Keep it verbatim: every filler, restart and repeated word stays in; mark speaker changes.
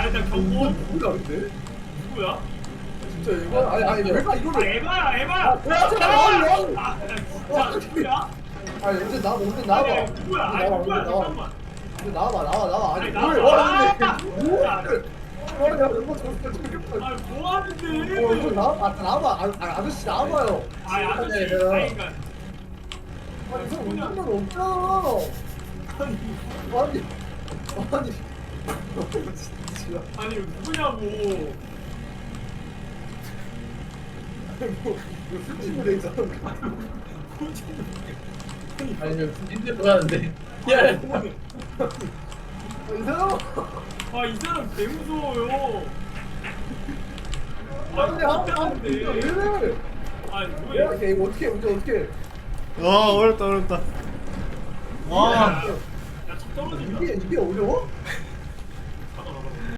Speaker 1: 일단 경고.
Speaker 2: 누구야 근데?
Speaker 1: 누구야?
Speaker 2: 진짜 얘가 아니 아니 내가
Speaker 1: 아
Speaker 2: 이거를
Speaker 1: 에바야 에바야.
Speaker 2: 아, 뭐야, 저거 나와,
Speaker 1: 아 진짜 누구야?
Speaker 2: 아니 언제 나와 언제 나와봐
Speaker 1: 아니 누구야? 아니
Speaker 2: 나와
Speaker 1: 누구야?
Speaker 2: 언제 나와
Speaker 1: 잠깐만.
Speaker 2: 언제 나와봐 나와 나와 아니
Speaker 1: 아니,
Speaker 2: 뭘
Speaker 1: 나와.
Speaker 2: 와 근데
Speaker 1: 아,
Speaker 2: 뭐야 뭐야 이거 저거 저거
Speaker 1: 아 뭐하는데?
Speaker 2: 어 이거 나와 아 나와봐 아, 아 아저씨 나와봐요
Speaker 1: 아니 아저씨.
Speaker 2: 아니,
Speaker 1: 아니 그러니까.
Speaker 2: 아니 이거 운전면 없잖아 아니 아니 이거 진짜
Speaker 1: 아니 이거 누구냐고.
Speaker 2: 아니 뭐 이거 술집을 내 있잖아
Speaker 3: 아니면 인제 들어가는데. 야,
Speaker 2: 이 사람
Speaker 1: 아이 사람 개 무서워요.
Speaker 2: 아니
Speaker 1: 아
Speaker 2: 아
Speaker 1: 못하는데.
Speaker 2: 왜 이래
Speaker 1: 아니
Speaker 2: 야
Speaker 1: 뭐야?
Speaker 2: 이거 어떻게 운전 어떻게
Speaker 4: 와 어렵다 어렵다. 와
Speaker 1: 야차 떨어지면.
Speaker 2: 이게 이게 어려워?